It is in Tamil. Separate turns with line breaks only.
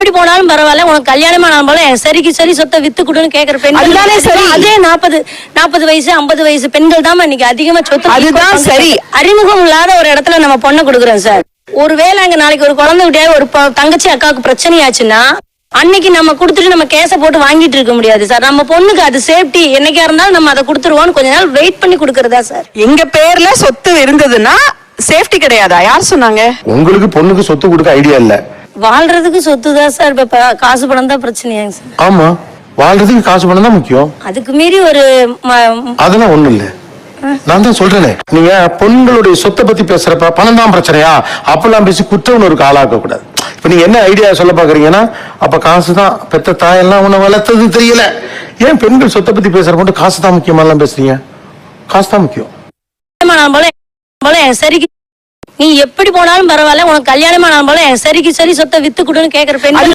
எப்படி போனாலும் பரவாயில்ல, உனக்கு கல்யாணம் ஆனாலும் சரிக்கு சரி சொத்தை வித்து கொடுன்னு கேக்குற பெண்கள்
அதுதானே சரி.
அதே 40 வயசு 50 வயசு பெண்கள் தான் இன்னைக்கு அதிகமா சொத்து.
அதுதான் சரி.
அறிமுகம் இல்லாத ஒரு இடத்துல நம்ம பொண்ணை கொடுக்குறோம் சார். ஒருவேளை அங்க நாளைக்கு ஒரு குழந்தை விட்டியா ஒரு தங்கச்சி அக்காவுக்கு பிரச்சனையாச்சுன்னா அன்னைக்கு நம்ம கொடுத்துட்டு நம்ம கேஸ போட்டு வாங்கிட்டு இருக்க முடியாது சார். நம்ம பொண்ணுக்கு அது சேஃப்டி, என்னைக்கா இருந்தாலும் நம்ம அதை கொடுத்துருவோம்னு கொஞ்ச நாள் வெயிட் பண்ணி கொடுக்கறதா சார்.
எங்க பேர்ல சொத்து இருந்ததுன்னா சேஃப்டி கிடையாதா? யார் சொன்னாங்க?
உங்களுக்கு பொண்ணுக்கு சொத்து கொடுக்க ஐடியா இல்ல.
வாழ்றதுக்கு சொத்து தான் சார். இப்ப காசு பணம் தான் பிரச்சனையாங்க சார்.
ஆமா, வாழ்றதுக்கு காசு பணம் தான் முக்கியம்.
அதுக்கு மீறி ஒரு
அதெல்லாம் ஒண்ணு இல்ல. நான் தான் சொல்றேனே, நீங்க பொண்களுடைய சொத்தை பத்தி பேசுறப்ப பணம் தான் பிரச்சனையா அப்பெல்லாம் பேசி குற்றவுணர்வுக்கு ஆளாக்க கூடாது. இப்ப நீங்க என்ன ஐடியா சொல்ல பாக்குறீங்கன்னா, அப்ப காசுதான் பெத்த தாயெல்லாம் உன்னை வளர்த்தது தெரியல. ஏன் பெண்கள் சொத்தை பத்தி பேசுறப்ப காசு தான் முக்கியமா பேசுறீங்க? காசு தான் முக்கியம்.
சரிக்கு நீ எப்படி போனாலும் பரவாயில்ல, உனக்கு கல்யாணம் ஆனாலும் சரிக்கு சரி சொத்தை வித்து கொடுன்னு கேக்குற பெண்கள்